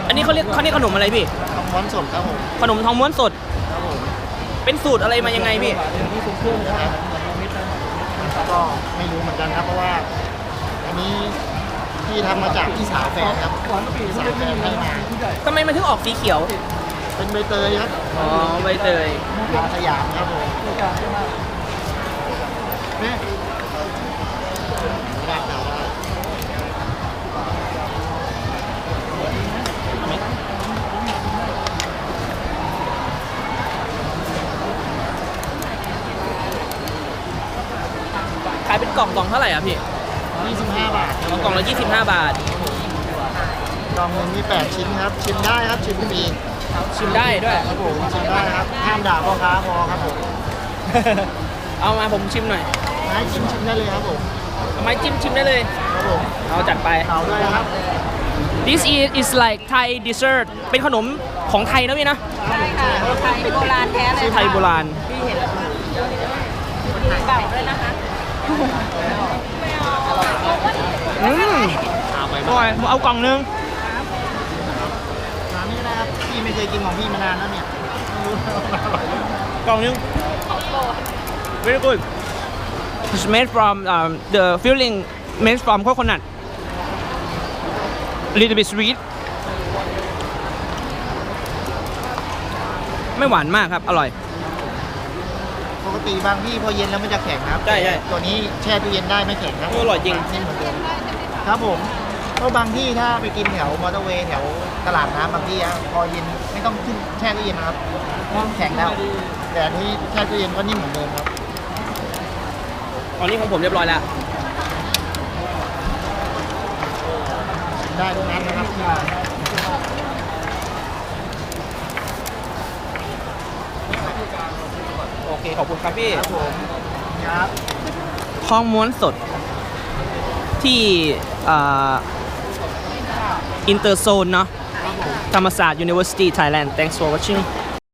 อันนี้เขาเรียกขนมอะไรพี่ทองม้วนสดครับผมขนมทองม้วนสดครับผมเป็นสูตรอะไรมายังไงพี่นะครับก็ไม่รู้เหมือนกันครับเพราะว่าอันนี้ที่ทำมาจากพี่สาวแฟนครับพี่สาวแฟนให้มาทำไมมันถึงออกสีเขียวเป็นใบเตยครับอ๋อใบเตยยาสยามครับผมเนี่ยราดดาวขายเป็นกล่องเท่าไหร่อ่ะพี่ 25 บาทครับกล่องละ25 บาทกล่องหนึงมี8ชิ้นครับชิมได้ครับชิมฟรีชิมได้ด้วยครับผมชิมได้ครับห้ามด่าพ่อค้าพอครับผมเอามาผมชิมหน่อยให้ชิมได้เลยครับผมเอาไม้จิ้มชิมได้เลยครับผมเอาจัดไปเต่าด้วยนะครับ This is like Thai dessert เป็นขนมของไทยนะพี่นะใช่ค่ะไทยโบราณแท้เลยไทยโบราณเก่าเลยนะคะอืมอร่อยเอากล่องนึงร้านนี้นะครับพี่ไม่เคยกินของพี่มานานแล้วเนี่ยไม่รู้ว่าอร่อยหรือเปล่ากล่องนึง very good it's made from the filling made from coconut a little bit sweet ไม่หวานมากครับ อร่อยปกติบางที่พอเย็นแล้วมันจะแข็งครับใช่ตัวนี้แช่ตู้เย็นได้ไม่แข็งครับอร่อยจริงนิ่มเหมือนเดิมครับผมเพราะบางที่ถ้าไปกินแถวมอเตอร์เวย์แถวตลาดน้ำบางที่อะพอเย็นไม่ต้องขึ้นแช่ตู้เย็นนะครับแข็งแล้ว แต่อันนี้แช่ตู้เย็นก็นิ่มเหมือนเดิมครับตอนนี้ของผมเรียบร้อยแล้วได้ทุกนั้นนะครับที่ร้านโอเค ขอบคุณครับพี่ครับผมครับทองม้วนสดที่อินเตอร์โซนเนาะธรรมศาสตร์ University Thailand thanks for watching